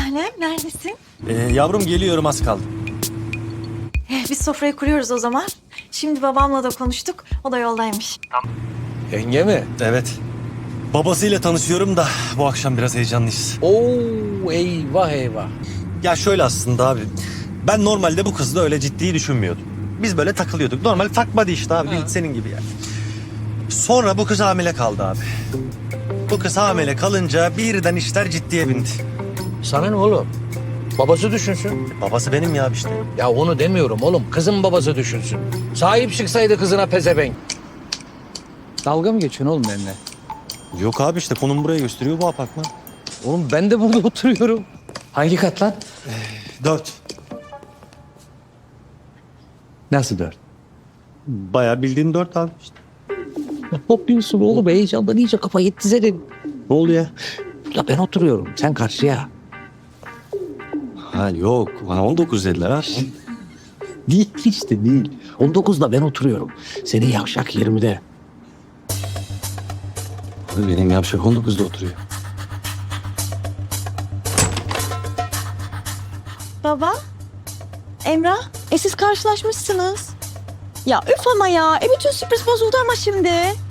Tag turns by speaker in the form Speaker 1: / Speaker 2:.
Speaker 1: tanem, neredesin?
Speaker 2: Yavrum geliyorum, az kaldı.
Speaker 1: Biz sofrayı kuruyoruz o zaman. Şimdi babamla da konuştuk, o da yoldaymış.
Speaker 3: Yenge mi?
Speaker 2: Evet. Babasıyla tanışıyorum da bu akşam biraz heyecanlıyız.
Speaker 3: Oo, eyvah eyvah.
Speaker 2: Ya şöyle aslında abi. Ben normalde bu kızla öyle ciddi düşünmüyordum. Biz böyle takılıyorduk. Normal fuck buddy işte abi. Senin gibi yani. Sonra bu kız hamile kaldı abi. Bu kız hamile kalınca birden işler ciddiye bindi.
Speaker 3: Sana ne oğlum? Babası düşünsün.
Speaker 2: Babası benim ya işte.
Speaker 3: Ya onu demiyorum oğlum. Kızın babası düşünsün. Sahip çıksaydı kızına pezevenk. Dalga mı geçiyorsun oğlum benimle?
Speaker 2: Yok abi işte konum buraya gösteriyor, bu apartman.
Speaker 3: Oğlum ben de burada oturuyorum. Hangi kat lan?
Speaker 2: 4.
Speaker 3: Nasıl 4?
Speaker 2: Bayağı bildiğin 4 abi işte.
Speaker 3: Ne yapıyorsun oğlum? Heyecandan iyice kafa yetti senin.
Speaker 2: Ne oluyor?
Speaker 3: Ya ben oturuyorum. Sen karşıya.
Speaker 2: Ha yok. Bana 19 dediler ha.
Speaker 3: Değil işte değil. 19'da ben oturuyorum. Senin yavşak 20'de.
Speaker 2: Abi benim yapacak 19'da oturuyor.
Speaker 1: Baba, Emrah, siz karşılaşmışsınız. Ya üf ama ya, bütün sürpriz bozuldu ama şimdi.